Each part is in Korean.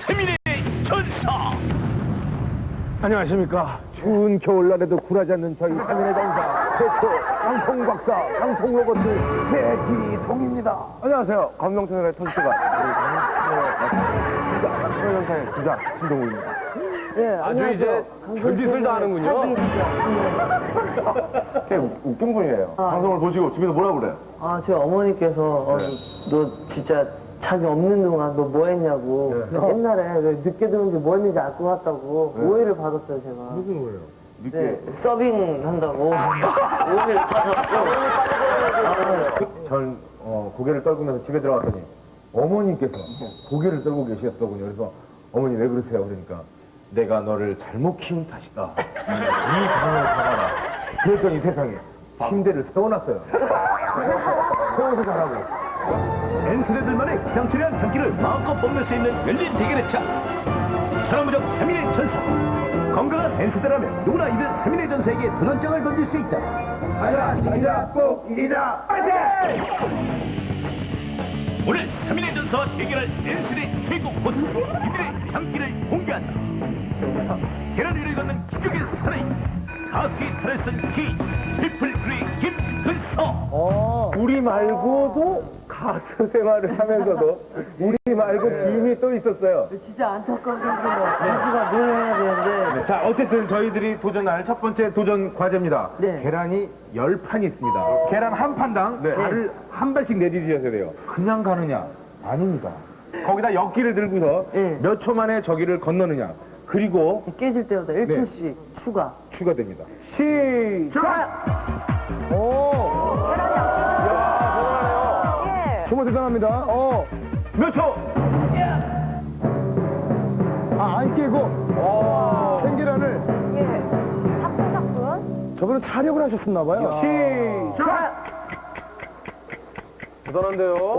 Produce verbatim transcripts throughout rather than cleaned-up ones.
세민의 전사. 안녕하십니까. 추운 겨울날에도 굴하지 않는 저희 세민의 전사 최초 강통 박사 강통 로봇 배기동입니다. 안녕하세요. 감동천연의 터지가 천연사의 주자 신동우입니다. 예, 아주 이제 별짓을 다 하는군요. 꽤 웃긴 분이에요. 아, 방송을 보시고 집에서 뭐라고 그래요? 아, 저희 어머니께서 어, 네. 너 진짜 자기 없는 동안 너 뭐 했냐고. 네. 그래서 옛날에 왜 늦게 들어온지 뭐 했는지 알 것 같다고 네. 오해를 받았어요, 제가. 무슨 거예요? 늦게. 네, 서빙 한다고 오해를 받았고. 전 어, 고개를 떨구면서 집에 들어갔더니 어머니께서 고개를 떨고 계셨더군요. 그래서 어머니 왜 그러세요? 그러니까 내가 너를 잘못 키운 탓이다. 이 방을 가봐라. 그랬더니 세상에 침대를 세워놨어요. 세워서 자라고. 엔스레들만의 기상천외한 장기를 마음껏 뽐낼 수 있는 열린 대결의 차. 천하무적 세민의 전사. 건강한 엔스대라면 누구나 이들 세민의 전사에게 도전장을 던질 수 있다. 가자, 가자, 꼭 이기자. 파이팅! 오늘 세민의 전사와 대결할 엔스의 최고 보스. 이들의 장기를 공개한다. 계란 위를 걷는 기적의 사나이. 가수의 탈을 쓴 키. 피플프리 김근서. 우리 말고도 가수 생활을 하면서도 우리 말고 김이 또 있었어요. 진짜 안타까운 생각이에요. 가수가 뭘 해야 되는데. 자, 어쨌든 저희들이 도전할 첫 번째 도전 과제입니다. 네. 계란이 열 판이 있습니다. 계란 한 판당 발을 한 발씩 내디디셔야 돼요. 그냥 가느냐? 아닙니다. 거기다 역기를 들고서 네. 몇 초 만에 저기를 건너느냐. 그리고 깨질 때마다 일 초씩 추가. 추가됩니다. 시작! 오! 정말 대단합니다. 어. 몇 초? 아, 안 깨고. 어. 생계란을. 예. 사뿐사뿐. 저분은 타력을 하셨었나봐요. 시작! 대단한데요?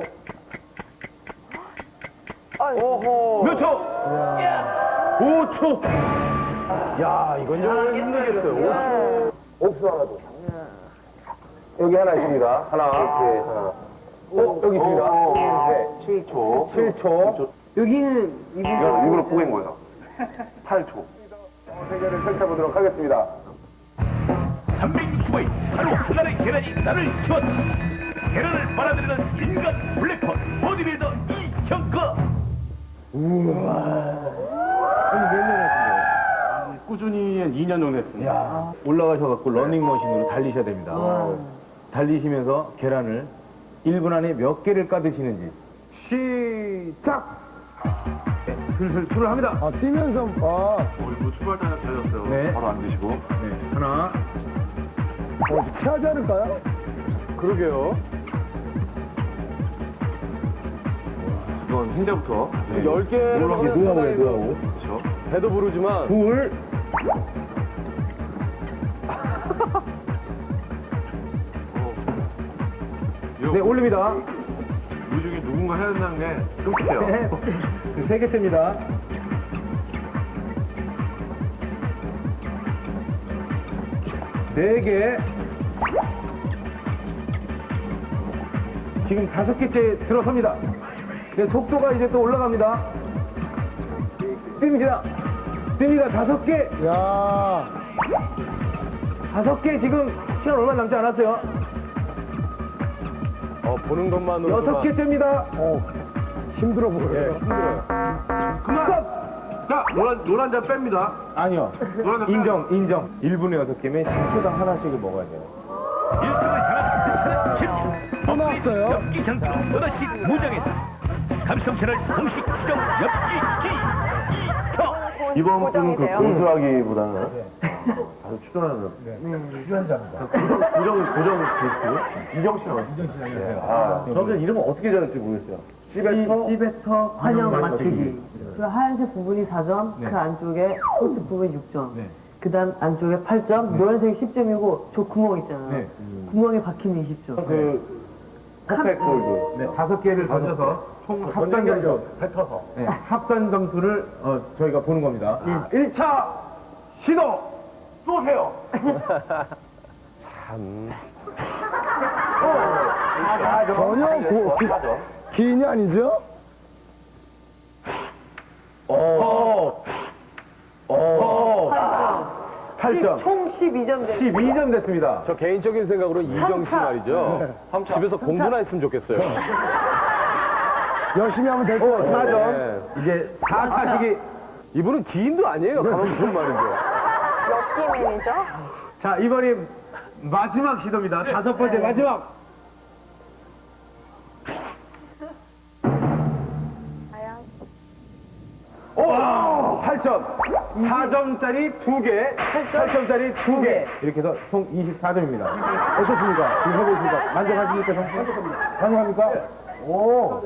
오호. 몇 초? 오 초. 야, 이건 좀 힘들겠어요. 오 초. 옥수 하나 더. 여기 하나 있습니다. 하나. 이렇게 하나. 어, 여기 있습니다. 네. 칠 초. 칠 초. 여기는 이분. 일부러 포기한 거예요. 팔 초. 세계를 펼쳐보도록 하겠습니다. 삼백육십오 일 하루 하나의 계란이 나를 키웠다. 계란을 빨아들이는 인간 블랙홀 보디빌더 이형거. 꾸준히 한 이 년 정도 했습니다. 올라가셔갖고 러닝머신으로 달리셔야 됩니다. 달리시면서 계란을 일 분 안에 몇 개를 까드시는지. 시작! 네, 슬슬 출을 합니다. 아, 뛰면서, 아, 이거 출발 단계 잘렸어요. 네. 바로 안 드시고. 네. 하나. 어, 체하지 않을까요? 그러게요. 이건 흰자부터. 네. 열 개. 노하우에 노하우, 노하우. 그렇죠. 배도 부르지만. 둘. 네, 올립니다. 이 중에 누군가 해야 된다는 게 끔찍해요. 네. 세 개째입니다. 네 개. 지금 다섯 개째 들어섭니다. 네, 속도가 이제 또 올라갑니다. 뜁니다. 뜁니다. 다섯 개. 야, 다섯 개 지금 시간 얼마 남지 않았어요. 어, 보는 것만으로. 여섯 개째입니다. 어, 힘들어 보여요. 네, 힘들어요. 그만! 자, 노란, 노란 잔 뺍니다. 아니요. 노란 잔 인정, 인정. 일 분에 여섯 개면 십 초당 하나씩을 먹어야 돼요. 일승을 향한 큰 챔피언. 또 나왔어요? 엽기 장기로 또다시 무장했다. 감성 채널 공식 추정 엽기기 이터. 이번 분은 그 고수하기보다는 네. 아주 추천하는. 출연자입니다. 고정, 고정 게스트. 이정 씨라고. 이정 씨 안녕하세요. 아, 저는 이름을 어떻게 지었는지 모르겠어요. 시베터, 시베터 환영 맞추기. 그 하얀색 부분이 사 점, 네. 그 안쪽에 코트 부분이 육 점. 네. 그 다음 안쪽에 팔 점, 노란색이 십 점이고 저 구멍 있잖아요. 네. 구멍에 박히면 이십 점. 그, 퍼펙트 골드. 네, 다섯 개를 던져서 총 합산 점수, 뱉어서. 네, 합산 점수를 어, 저희가 보는 겁니다. 일 차 시도 쏘세요. 참. 전혀 고, 기, 기인이 아니죠? 오, 팔 점. 총 십이 점 됐어요. 십이 점 됐습니다. 저 개인적인 생각으로 이정 씨 말이죠. 집에서 공부나 했으면 좋겠어요. 열심히 하면 될 거예요. 사 점. 네. 이제 사 차식이. 이분은 기인도 아니에요. 가만 무슨 말이죠. 럭키 매니저? 자, 이번이 마지막 시도입니다. 다섯 번째 마지막. 과연? 오! 팔 점. 사 점짜리 두 개, 팔 점짜리 두 개. 이렇게 해서 총 이십사 점입니다. 어떻습니까? 지금 해보시니까 만족하십니까, 선생님? 만족합니까? 오.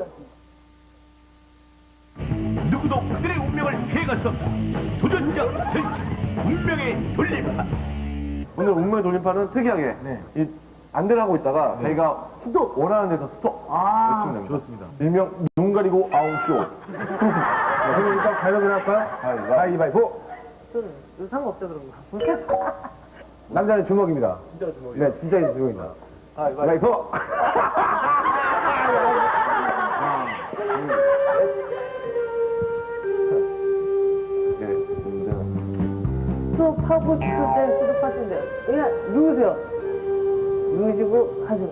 누구도 그들의 운명을 피해갈 수 없다. 도전자 전투 운명의 돌림판. 오늘 운명의 돌림판은 특이하게 이 안대를 하고 있다가 저희가 스톱 원하는 데서 스톱 아, 외치면 됩니다. 좋습니다. 일명 눈 가리고 아웅쇼. 그럼 일단 가위바위보 할까요? 가위바위보. 저는 상관없죠, 그런 거. 남자는 주먹입니다. 진짜 주먹이요? 네, 진짜 주먹입니다. 가위바위보. 수업하고 싶을 때 수업하시면 돼요. 그냥 누우세요. 누우시고 하세요.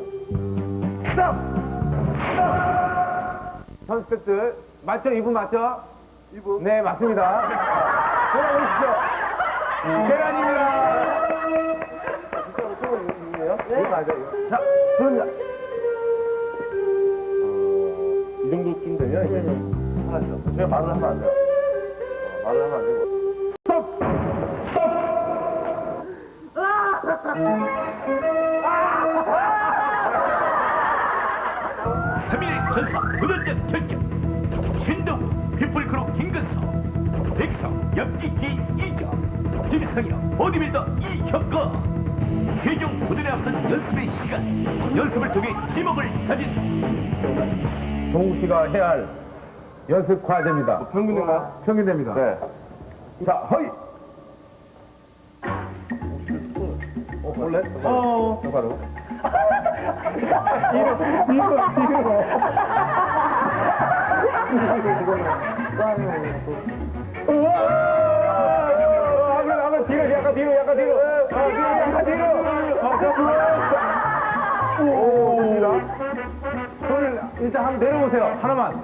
선수들 맞죠? 이분 맞죠? 이분. 네, 맞습니다. 돌아오십시오. 계란입니다. 네, 맞아요. 자, 그럼요. 이 정도쯤 되면 이제 하나죠. 저희가 말을 하면 안 돼요. 어, 말을 하면 안 되고. 삼 일 전사 도전자 결정. 신동 피플크루 김근서, 백성 엽기기 이정, 김성현 보디빌더 이혁거. 최종 도전에 앞선 연습의 시간. 연습을 통해 지목을 가진 동욱 씨가 해야 할 연습 과제입니다. 평균인가요? 평균됩니다. 네. 자, 허이. 어, 원래? 어. 바로. 한번 한번 뒤로 약간 뒤로 약간 뒤로 어, 뒤로 약간 뒤로 어, 오, 좋습니다. 손을 일단 한번 내려보세요. 하나만.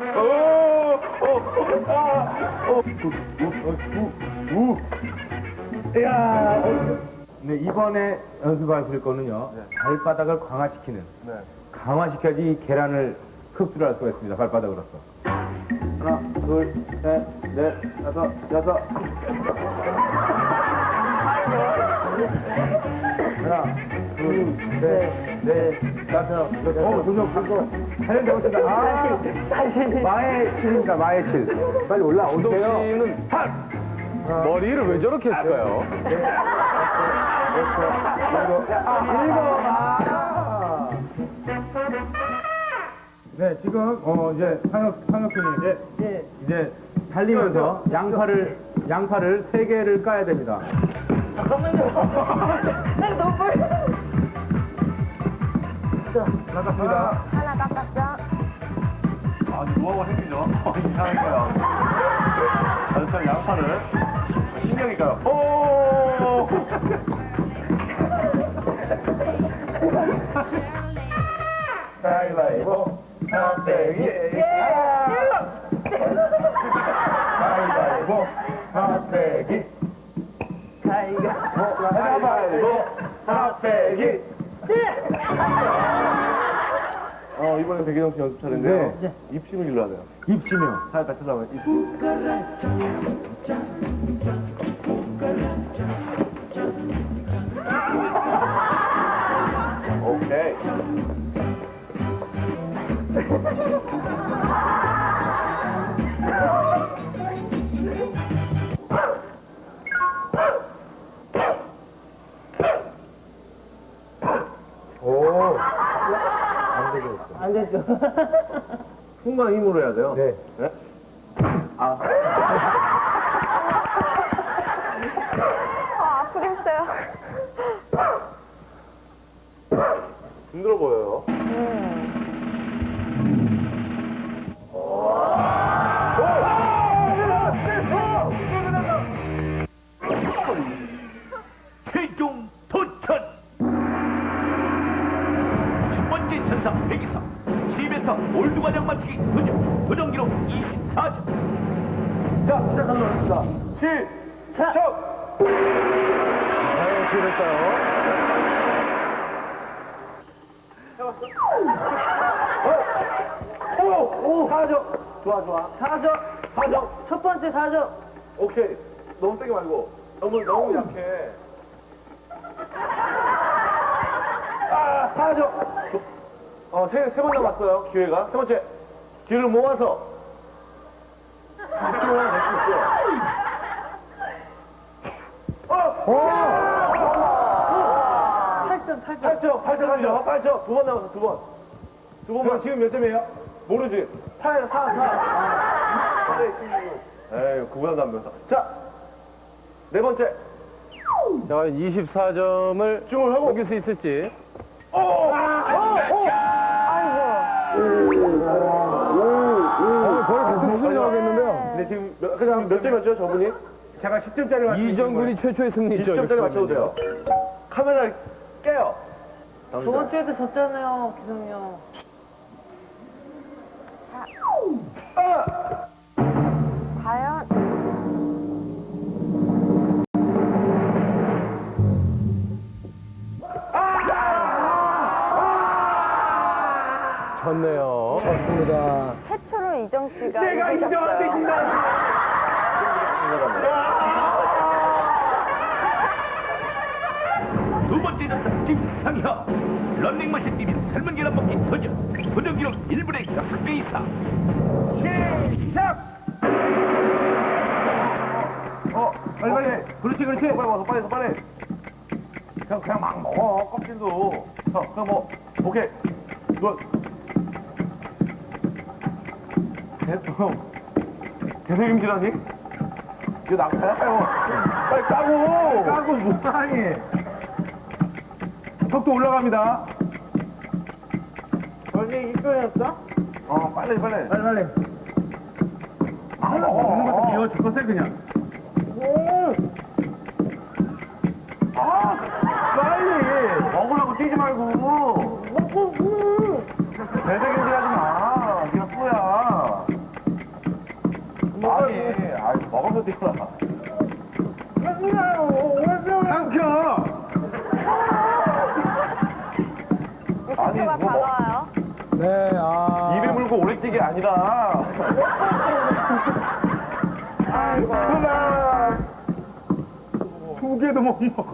이야. 네, 이번에 연습하실 거는요. 발바닥을 강화시키는. 네. 강화시켜야지 이 계란을 흡수를 할 수가 있습니다. 발바닥으로서. 하나, 둘, 셋, 넷, 다섯, 여섯. 하나, 둘, 셋, 넷, 다섯, 여섯. 어, 도전 하고. 하는 데 오신다. 아, 마의 칠입니다. 마의 칠. 빨리 우동 올라오세요. 씨는 머리를 왜 저렇게 했을까요? 일곱. 아. 네, 지금 어 이제 상혁 상혁군이 이제 네. 이제 달리면서 양팔을 양팔을 세 개를 까야 됩니다. 잠깐만요. 난 너무 빨리. 나갔습니다. 하나 깎았죠? 아, 노하우가 생기죠? 이상하니까요. 전체 양파를 신경이니까요. 오! 가위바위보, 핫대기. 가위바위보, 핫대기. 가위바위보, 핫대기. 어, 이번엔 백이정 씨 연습 차례인데요. 네. 입심을 길러야 돼요. 입시면 살짝 쳐다보면 입심. 오케이. 오. 안 되죠. 충분한 힘으로 해야 돼요. 네. 네? 어, 아프게 했어요. 힘들어 보여요. 자, 시작하도록 하겠습니다. 시작! 과연 어떻게 될까요? 오! 오! 사적! 좋아, 좋아. 사적. 사적! 첫 번째 사적. 오케이. 너무 세게 말고. 너무, 너무 약해. 아, 사적! 조- 어, 세, 세 번 남았어요, 기회가. 세 번째. 기회를 모아서. 느낌을 하나 낼수 있어. 팔 점, 팔 점. 팔 점, 팔 점 하죠. 팔 점. 두 번 남았어, 두 번. 두 번만. 지금 몇 점이에요? 모르지? 팔, 사, 사. 에이, 그보다 남면서. 자, 네 번째. 자, 이십사 점을 집중을 하고. 넘길 수 있을지. 거의 같은 수준이 나오겠는데요? 근데 지금 몇, 그냥 몇 점이었죠, 저분이? 제가 십 점짜리 맞추고 이정군이 최초의 승리죠. 이십 점짜리 맞춰도 돼요. 카메라를 깨요. 저번 주에도 졌잖아요, 기성이 형. 과연 졌네요. 최초로 이정 씨가 내가 인정한테 이기셨어요. 인정. 두 번째 전사 김상혁. 런닝머신 뛰면 삶은 계란 먹기 도전. 도전 기록 일 분의 여섯 배 이상. 시작! 어, 빨리 빨리. 그렇지, 그렇지. 빨리 와서 빨리, 빨리. 그냥 그냥 막 먹어 껍질도. 어, 그냥 뭐 오케이. 이거 계속 계속 임질하니? 이거 나가야 빨리 까고. 까고 뭐하니? 속도 올라갑니다. 원래 이거였어? 어, 빨리 빨리. 빨리, 빨리. 아, 먹는 것도 비워 죽겠어 그냥. 아, 빨리 먹으라고 뛰지 말고. 대대경질하지 마. 네가 뿌야. 아니, 아이 먹어서 뛰어라. 삼켜. 아니, 속도가 뭐, 다가와요. 입에 물고 오래 뛰기 아니라. 그만. 두 개도 못 먹어.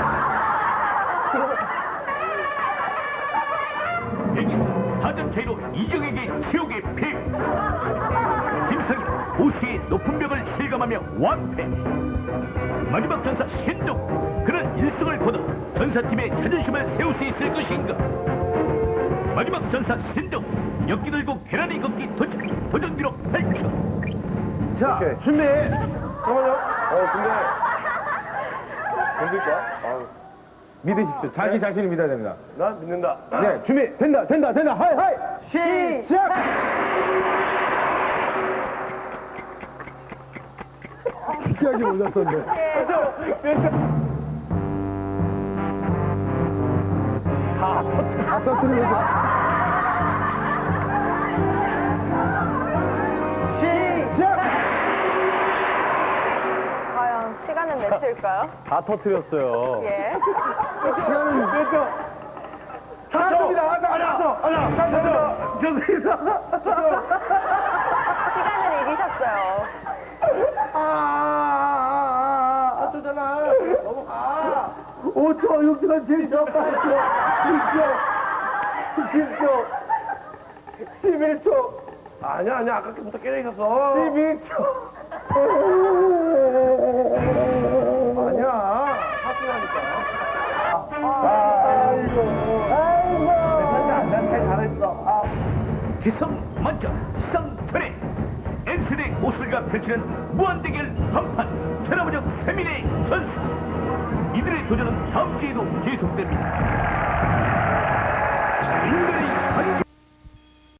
여기서 사 점 차이로 이정에게 지옥의 패. 김상혁 보수의 높은 벽을 실감하며 완패. 마지막 전사 신동. 그는 일 승을 거둬 전사팀의 자존심을 세울 수 있을 것인가. 마지막 전사 신동. 엮기 들고 계란이 걷기 도전. 도전 기록 팔 초. 자, 준비. 잠깐만요. 어, 근데. 건들까? 아유. 믿으십시오. 자기 자신을 믿어야 됩니다. 난 믿는다. 네, 준비. 된다, 된다, 된다. 하이, 하이. 시작! 특이하게 올랐던데. 다 터뜨리고. 시작! 과연 시간은 몇일까요? 다 터뜨렸어요. 예. 시간은 몇 초? 다 줍니다. 아니야, 아니야. 다 줘. 저기서. 시간은 이기셨어요. 아, 줬잖아. 넘어가. 오 초, 육 초, 칠 초, 팔 초, 구 초, 십 초, 십일 초. 아니야, 아니야. 아까부터 깨져 있었어. 십이 초. 아니야. 사투라니까. 아이고. 아이고. 난 잘 잘했어. 아. 기성 만점 시상철회. 엔스의 모술과 펼치는 무한대결 한판. 천하무적 세민의 전사. 이들의 도전은 다음 주에도 계속됩니다.